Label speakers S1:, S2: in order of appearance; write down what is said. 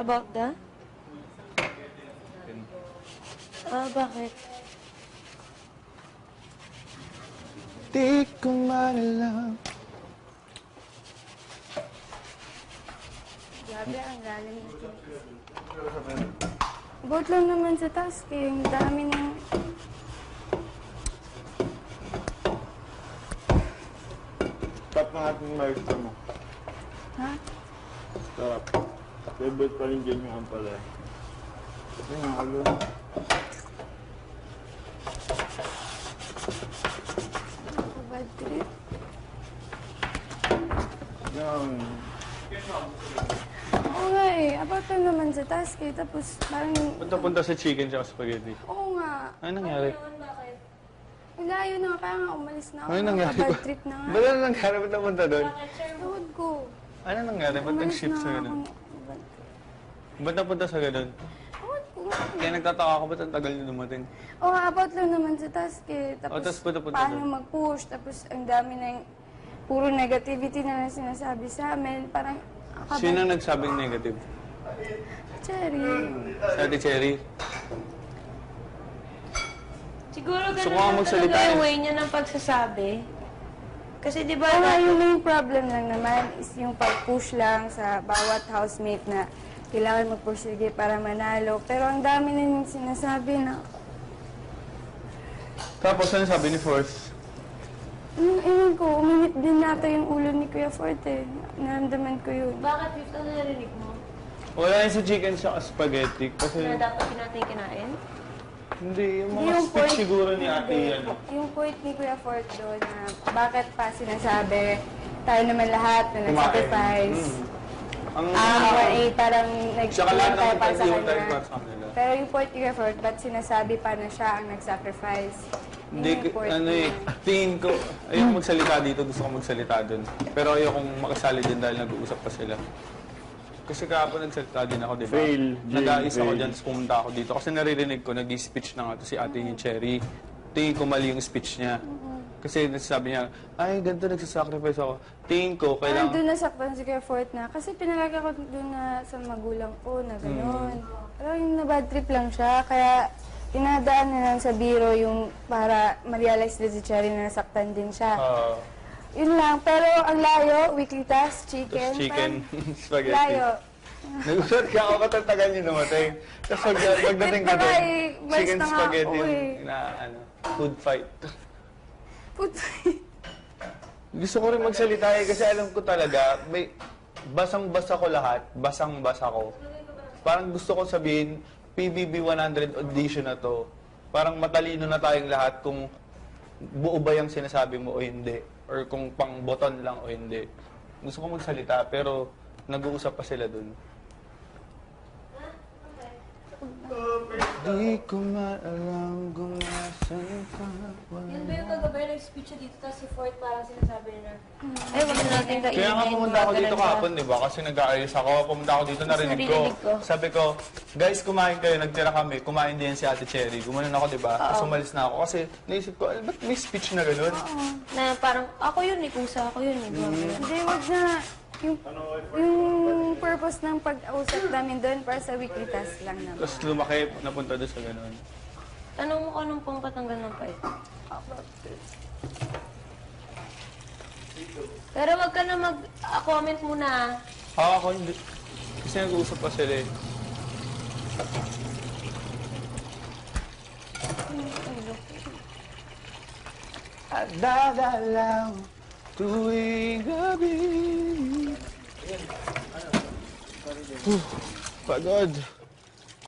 S1: About the? Bakit?
S2: Di ko man alam.
S3: Grabe, ang lalim nito. About lang naman sa task eh. Yung dami ng...
S4: Stop na natin maestro mo.
S3: Ha?
S4: Stop. Favorite pa rin dyan yung ampalaya. Kasi nga, agad.
S3: Bad trip.
S4: Yan.
S3: Oo nga eh. About lang naman sa task eh. Tapos parang...
S2: Punta-punta sa chicken tsaka spaghetti.
S3: Oo nga.
S2: Ano nangyari?
S3: Ang layo na nga. Kaya nga umalis na ako.
S2: Ano nangyari?
S3: Bad trip na nga.
S2: Ba't ano nangyari? Ba't napunta doon?
S3: Tawad ko.
S2: Ano nangyari? Ba't nag-shift sa ganun? Ba't napunta sa ganun?
S3: Tawad ko nga.
S2: Kaya nagtataka ako, ba't ang tagal na dumating?
S3: Oo, about lang naman sa task eh.
S2: Oh, tapos
S3: Tapos
S2: punta-punta
S3: paano
S2: doon.
S3: mag-push. Tapos ang dami na yung puro negativity na lang sinasabi sa amin. Parang
S2: Sino ang nagsabing negative?
S3: Cherry.
S2: Sa Ate Cherry?
S1: Siguro
S2: Gusto ko
S1: ganun
S2: nga
S1: lang
S2: magsalita
S1: talaga
S2: eh.
S1: yung way niya ng pagsasabi. Kasi di ba,
S3: Oo nga, yung main problem lang naman is yung pag-push lang sa bawat housemate na kailangan magpursige para manalo. Pero ang dami na yung sinasabi na,
S2: Tapos ano sabi ni Force?
S3: ewan ko, uminit din nata yung ulo ni Kuya Forte. Naramdaman ko yun.
S1: bakit dito narinig mo?
S2: Wala yun sa chicken sa spaghetti kasi
S1: Na dapat natin kinain?
S2: hindi, yung mga
S3: Yung
S2: speech
S3: point-
S2: siguro ni ate
S3: Hindi.
S2: yan.
S3: Yung point ni Kuya Fort doon na bakit pa sinasabi tayo naman lahat na
S2: Kumain.
S3: nag-sacrifice.
S2: Ang
S3: Parang
S2: Tsaka lahat
S3: tayo
S2: naman
S3: para sa
S2: tayo tayo
S3: kanya.
S2: para sa kanila.
S3: Pero yung point ni Kuya Fort, ba't sinasabi pa na siya ang nag-sacrifice? Yun
S2: Hindi,
S3: yung point
S2: ano
S3: niya.
S2: tingin ko, ayoko magsalita dito, gusto ko magsalita doon. Pero ayokong makasali din dahil nag-uusap pa sila. Kasi kahapon nagsalita din ako, di ba?
S4: Fail, Jay,
S2: Nag-aayos ako
S4: fail.
S2: dyan, tapos pumunta ako dito. Kasi naririnig ko, nag-speech na nga to si ate ni Cherry. Tingin ko mali yung speech niya. Kasi nasasabi niya, ay, ganito nagsasacrifice ako. Tingin ko,
S3: Parang
S2: kailangan...
S3: doon nasaktan si Kuya Fort na, kasi pinalagay ko doon na sa magulang ko na gano'n. Pero yung na-bad trip lang siya, kaya inadaan na lang sa biro yung para ma-realize din si Cherry na nasaktan din siya. Yun lang, pero ang layo, weekly task, chicken.
S2: chicken,
S3: parang
S2: spaghetti.
S3: Layo.
S2: Nag-usap ka ako, ba't ang tagal niyo dumating? Tapos pagdating ka
S3: Ito nga
S2: doon,
S3: eh, mas
S2: chicken
S3: na nga
S2: spaghetti
S3: ako
S2: yung
S3: eh.
S2: food fight.
S3: Puto.
S2: Gusto ko rin magsalita eh, kasi alam ko talaga, may basang-basa ko lahat, basang-basa ko. Parang gusto ko sabihin, PBB 100 audition na to, parang matalino na tayong lahat kung buo ba yung sinasabi mo o hindi, or kung pang boton lang o hindi. Gusto ko magsalita, pero nag-uusap pa sila dun. Di ko maalam kung nasan ka.
S1: Yun ba yung kagabi nag-speech siya dito, tapos si Fort parang sinasabi na, ay, wag na natin kainin.
S2: Kaya nga pumunta ako dito kahapon, di ba? Kasi nag-aayos ako. Pumunta ako dito, narinig ko.
S1: narinig ko.
S2: Sabi ko, guys, kumain kayo. Nagtira kami. Kumain din si Ate Cherry. Gumanon ako, di ba? Tapos umalis na ako. Kasi naisip ko, ba't may speech na gano'n?
S1: Na parang, ako yun eh, kusa ako yun eh.
S3: Hindi, wag na. Yung purpose ng pag-usap namin doon para sa weekly task lang naman.
S2: Tapos lumaki, napunta doon sa gano'n.
S1: Tanong mo kung anong pangkatanggal ng pait. Pero wag ka na mag-comment muna.
S2: Ako hindi. Kasi nag-uusap pa sila eh. At dadalaw tuwing gabi. Pagod.